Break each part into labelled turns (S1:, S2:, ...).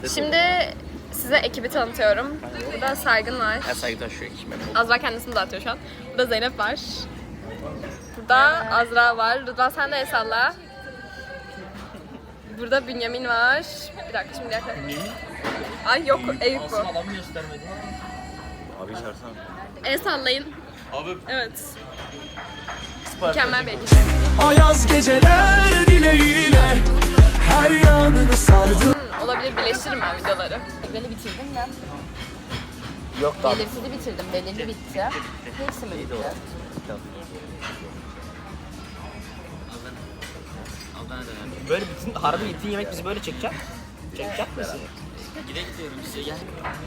S1: Şimdi size ekibi tanıtıyorum. Burada Saygın var.
S2: Saygıdan şu ekime.
S1: Azra kendisini dağıtıyor şu an. Burada Zeynep var. Burada Azra var. Rıdvan sen de el salla. Burada Bünyamin var. Bir dakika şimdi yaklaşık. Ay yok Eyüp bu.
S2: Adamı göstermedi. Abi çağırsana.
S1: El sallayın.
S2: Abi.
S1: Evet. Mükemmel bir ekip.
S3: Ayaz geceler dileğiyle her yanını sardı.
S1: Olabilir, birleştiririm ben videoları.
S4: Belli bitirdim de.
S2: Yok da.
S4: Belirsizi bitirdim. Belirli bitti. Hepsi mi bitti?
S2: Böyle bütün harbi itin yemek bizi böyle çekecek. Çekecek misin? Gide gidiyorum size gel.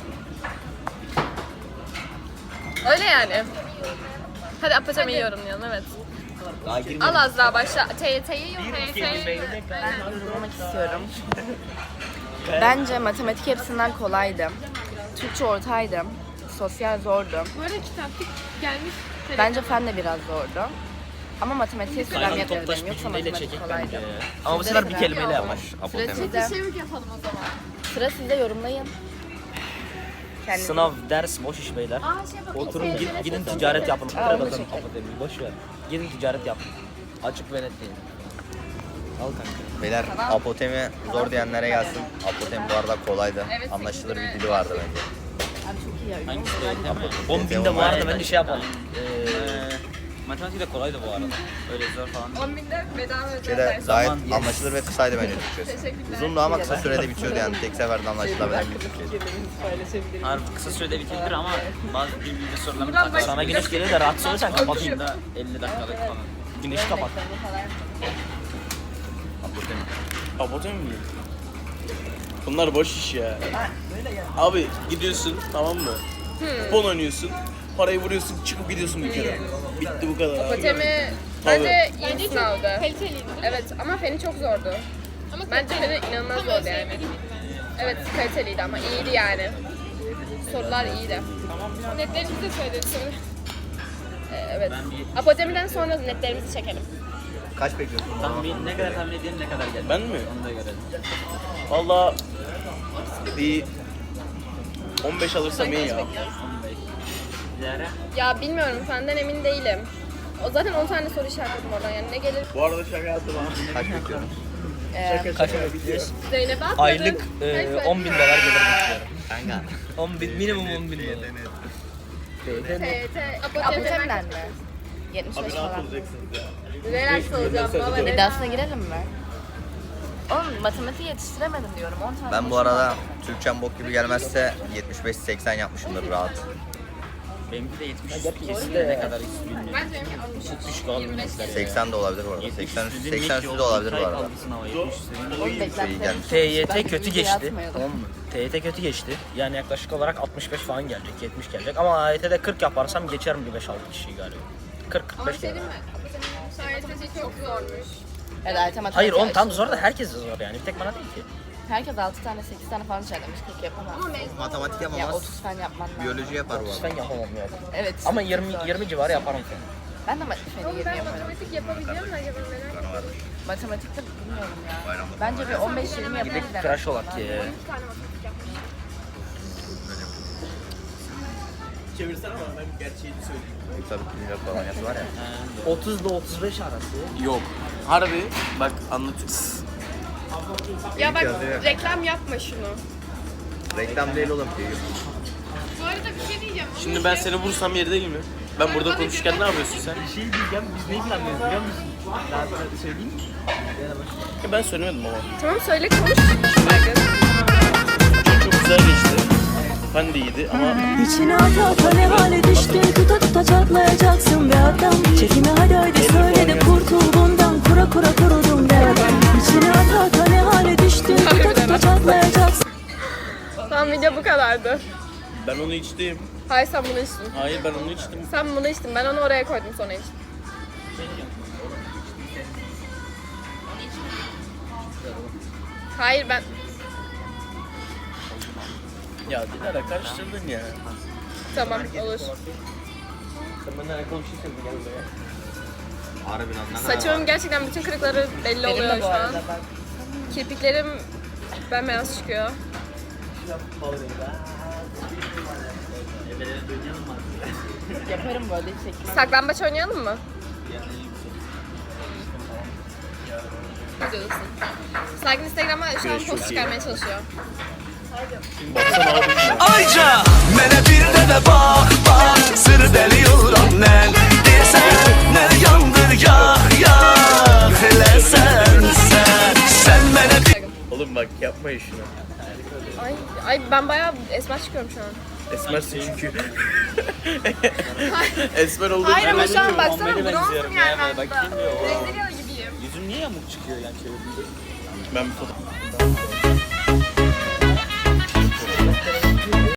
S1: Öyle yani. Hadi apaçamayı yorumlayalım, evet.
S2: Daha girmedim.
S1: Al Azra başla. TYT'yi yorumla.
S4: Ben yorumlamak istiyorum. Bence matematik hepsinden kolaydı. Türkçe ortaydı. Sosyal zordu.
S1: Bu arada kitaplık gelmiş.
S4: Bence fen de biraz zordu. Ama matematiğe sıram
S2: Kaynağı
S4: yapıyordum.
S2: toplaş bir
S4: Yoksa
S2: cümleyle
S4: matematik
S2: çekek
S4: kolaydı.
S2: bence. Ama bu sefer bir kelimeyle yap.
S4: Sıra sizde.
S1: Çevik yapalım o zaman.
S4: Sıra sizde, yorumlayın. Kendiniz.
S2: Sınav, ders, boş iş beyler. Oturun gidin ticaret yapın. Boş ver. Gidin ticaret yapın. Açık ve net değil. Al kanka.
S5: Beyler apotemi zor diyenlere gelsin. Apotemi bu arada kolaydı. Anlaşılır bir dili vardı bence.
S4: Abi çok iyi ya.
S2: Hangisi
S4: Yorumlar
S2: değil
S4: değil mi?
S2: 10 binde bu arada bence şey yapalım.
S6: Matematik de kolaydı bu arada. Öyle zor falan.
S1: 10.000'de bedava özel
S5: Şeyde
S1: ders.
S5: gayet
S2: Zaman, yes.
S5: anlaşılır ve kısaydı bence Türkçesi.
S1: Teşekkürler.
S5: Uzundu ama kısa sürede bitiyordu yani. Tek seferde anlaşılabilen bir Türkçeydi.
S6: Harbi kısa sürede bitirir ama bazı bilgi sorularını
S1: Buradan
S6: takar.
S2: Sana güneş geliyor da rahatsız olursan kapatayım.
S6: Da 50 dakikalık falan.
S2: Güneşi kapat.
S5: Apotemi.
S7: Apotemi mi? Bunlar boş iş ya. Abi gidiyorsun, tamam mı? Kupon oynuyorsun. Parayı vuruyorsun, çıkıp gidiyorsun bir kere. Bitti bu kadar abi.
S1: Apotemi bence iyi bir sınavdı. Kaliteliydi. Evet ama feni çok zordu. Bence feni inanılmaz zordu yani. Evet kaliteliydi ama iyiydi yani. Sorular iyiydi. Netlerimizi de söyledik sonra. Evet. Apotemiden sonra netlerimizi çekelim.
S5: Kaç bekliyorsun?
S6: Tahmin, ne kadar tahmin edelim ne kadar gelir.
S7: Ben mi?
S6: Onu da görelim.
S7: Valla bir 15 alırsam iyi ya.
S6: 15. Diğeri.
S1: Ya bilmiyorum senden emin değilim. O zaten 10 tane soru işaretledim oradan yani ne gelir?
S7: Bu arada şaka yaptım ha.
S5: Kaç bekliyorsun?
S2: Kaç
S1: Zeynep'e atmadın.
S2: Aylık 10 bin dolar gelir bekliyorum.
S5: Kanka.
S2: 10 bin, minimum 10 bin dolar.
S1: TYT,
S4: Apotemiden mi? 75
S7: Abi rahat
S4: falan.
S7: olacaksınız ya.
S1: Relax olacağım baba.
S4: İddiasına girelim mi? Oğlum matematiği yetiştiremedim diyorum. 10 tane
S5: Ben bu arada Türkçem bok gibi gelmezse 75-80 yapmışımdır rahat.
S6: Benimki de 70 kesin ne kadar hiç bilmiyorum.
S1: Bence benimki 60.
S6: Düşük almışlar ya.
S5: 80 de olabilir bu arada. 80 üstü de olabilir bu arada.
S4: Oğlum
S5: İyi
S4: beklentilerim
S5: gelmiş.
S4: düşük. Ben
S2: TYT kötü
S4: video
S2: geçti.
S4: atmayalım.
S2: Tamam mı? TYT kötü geçti. Yani yaklaşık olarak 65 falan gelecek, 70 gelecek. Ama AYT'de 40 yaparsam geçerim bir 5-6 kişiyi galiba. 40-45
S1: Ama şey
S2: gelir.
S1: değil mi? Apoteminin şartesi çok zormuş.
S4: Evet, matematik.
S2: Hayır oğlum tam zor da herkes zor yani. Bir tek bana değil ki.
S4: Herkes 6 tane 8 tane falan işaretlemiş. 40 yapamaz.
S5: Matematik
S4: Ya
S5: yapamaz.
S4: 30 fen yapman lazım.
S5: Biyoloji yapar bu
S2: Ben
S5: arada.
S2: yapamam ya.
S4: Evet.
S2: Ama 20 civarı yaparım falan.
S4: Ben de feni
S1: Oğlum
S4: 20
S1: ben
S4: yaparım.
S1: matematik yapabiliyor mu acaba merak ediyorum.
S4: Matematikte bilmiyorum ya. Bence bir 15-20
S2: Gidip
S4: yapabilirim.
S2: tıraş olak ya.
S1: 12 tane matematik yapmış.
S7: Çevirsene bana ben gerçeğini söyleyeyim.
S5: Tabii ki falan yazı var ya.
S2: 30 ile 35 arası.
S7: Yok. Harbi bak anlatıyorum.
S1: Ya bak
S5: yazıyor.
S1: reklam yapma şunu.
S5: Reklam değil oğlum ki.
S1: Bu arada bir şey diyeceğim.
S7: Şimdi ben seni vursam yeri değil mi? Ben burada konuşurken ne yapıyorsun sen?
S2: Bir şey diyeceğim, biz neyi planlıyoruz biliyor musun? Daha sonra söyleyeyim mi?
S7: Ya ben söylemedim ama.
S1: Tamam söyle konuş. Saygın.
S7: Çok güzel geçti. Ben de iyiydi ama
S8: İçine ata ata ne hale düştü. Tuta tuta çatlayacaksın be adam. Çekimi hadi haydi söyle de kurtul bundan. Kura kura kurudum be adam. İçine ata ata ne hale düştü. Tuta tuta çatlayacaksın.
S1: Tamam video bu kadardı.
S7: ben onu içtim.
S1: Hayır sen bunu içtin.
S7: Hayır ben onu içtim.
S1: Sen bunu içtin. Ben onu oraya koydum sonra içtim. Hayır ben...
S7: Ya Dilara karıştırdın ya.
S1: Tamam olur.
S7: Sen benden alakalı bir şey söyledin gel buraya.
S5: Harbiden ne kadar var?
S1: Saçımın gerçekten bütün kırıkları belli
S4: Benim
S1: oluyor
S4: de
S1: şu
S4: bu
S1: an.
S4: arada bak.
S1: Kirpiklerim bembeyaz çıkıyor.
S4: Yaparım böyle çekmem.
S1: Saklambaç oynayalım mı? Videodasın. Sakin Instagram'a şu an post çıkarmaya çalışıyor.
S3: Ayca Mənə bir də bak bak Sır deli yoldan Desene yandır ya Hele sen Sen mənə bir
S7: Oğlum bak yapmayın şunu.
S1: Ay ben bayağı esmer çıkıyorum şu an.
S7: Esmersin çünkü. Esmer olduğun
S1: Hayır ama
S7: için-
S1: şu an baksana
S6: Muhammed'e
S1: bronzum
S6: benziyorum
S1: yani
S6: ya,
S1: ben
S6: bak
S1: burada.
S6: şimdi o.
S1: Brezilyalı gibiyim.
S6: Yüzüm niye yamuk çıkıyor yani çevirdiğinde?
S7: Ben bir foto...